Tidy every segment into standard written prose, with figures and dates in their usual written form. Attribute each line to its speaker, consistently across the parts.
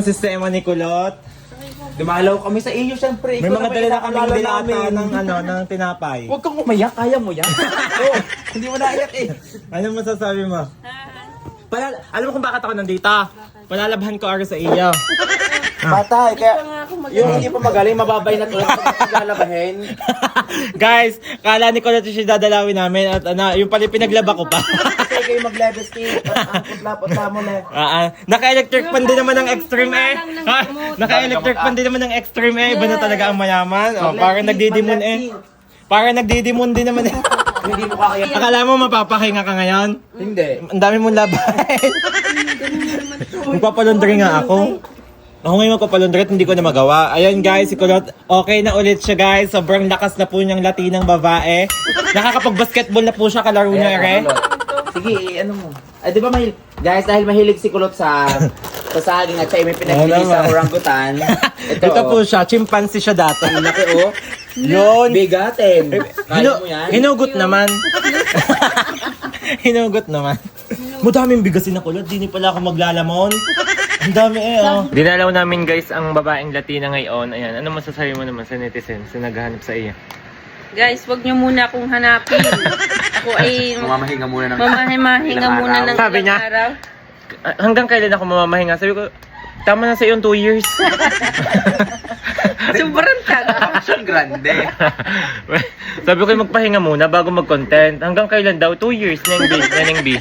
Speaker 1: sistema ni Kulot.
Speaker 2: Dumalaw kami sa iyo, syempre.
Speaker 1: May mga dala na kaming dilata
Speaker 2: namin.
Speaker 1: ng tinapay.
Speaker 2: Huwag kang umayak, kaya mo yan. Oh, hindi mo naiyak eh.
Speaker 1: Ano masasabi mo? Alam mo kung bakit ako nandito? Palalabhan ko ara sa iyo.
Speaker 2: Bata, kaya yung hindi pa magaling, mababay na tulad sa lalabahin.
Speaker 1: Guys, kala ni Kulot siya dadalawin namin at yung pala pinaglaba ko pa.
Speaker 2: Kasi kayo mag-level stick, ang putla-putla mo na.
Speaker 1: Naka-electric pan din naman ng extreme eh. Naka-electric pan din naman ng extreme eh. Iba na talaga ang mayaman. Parang nagdidimon eh. Parang nagdidimon din naman eh.
Speaker 2: Hindi mo kakaya.
Speaker 1: Akala mo mapapahinga ka ngayon?
Speaker 2: Hindi.
Speaker 1: Ang dami mong labahin. Magpapalundri nga ako. Ako ngayon magpapalundri at hindi ko na magawa. Ayan guys, si Kulot, okay na ulit siya guys. Sobrang lakas na po niyang latinang babae. Nakakapag-basketball na po siya, kalaro niya ere.
Speaker 2: Sige, ano mo? Di ba guys, dahil mahilig si Kulot sa saging at siya may pinagbili sa orangutan.
Speaker 1: Ito po siya, chimpanzee siya dati.
Speaker 2: Ang laki oh.
Speaker 1: Yun.
Speaker 2: Bigatin. Kaya mo yan?
Speaker 1: Hinugot naman. Hinugot naman. Madaming bigasin na Kulot, di pala ako maglalamon. Ang dami eh oh. Dinalaw namin guys ang babaeng Latina ngayon. Ayan, ano masasabi mo naman sa netizens na naghahanap sa iyo?
Speaker 3: Guys, wag niyo muna akong hanapin. Ako ay
Speaker 2: Mamamahinga muna ng
Speaker 3: mamahinga muna ng
Speaker 1: Sabi niya,
Speaker 3: ilang araw.
Speaker 1: hanggang kailan ako mamamahinga? Sabi ko, tama na sa iyo 2 years.
Speaker 3: Sobrang tagal.
Speaker 2: Action grande.
Speaker 1: Sabi ko magpahinga muna bago mag-content. Hanggang kailan daw? 2 years, Neneng B.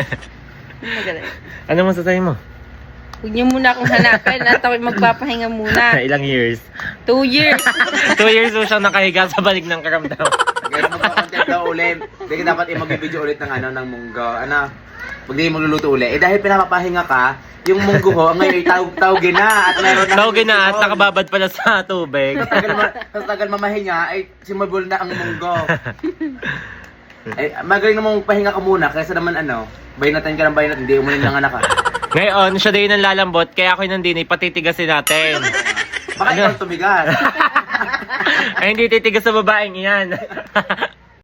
Speaker 1: Ano masasabi mo?
Speaker 3: Huwag niyo muna akong hanapin at ako'y magpapahinga muna.
Speaker 1: Ilang years?
Speaker 3: 2 years.
Speaker 1: 2 years po siyang nakahiga sa balik ng karamdam.
Speaker 2: Kaya magpa-content daw ulit. Hindi dapat mag-video ulit ng munggo. Pag di magluluto ulit. Dahil pinapapahinga ka, yung munggo ho, ngayon tawagin na at meron na.
Speaker 1: Tawagin na at nakababad pala sa tubig.
Speaker 2: Sa tagal mamahinga, ay simabol na ang munggo. Ay, magaling namang pahinga ka muna, kaysa naman baynatan ka ng baynat, hindi umunin ng anak ka.
Speaker 1: Ngayon, siya din ang lalambot, kaya ako nandini, patitigasin natin.
Speaker 2: Baka ikaw tumigas.
Speaker 1: Ay, hindi titigas sa babaeng iyan.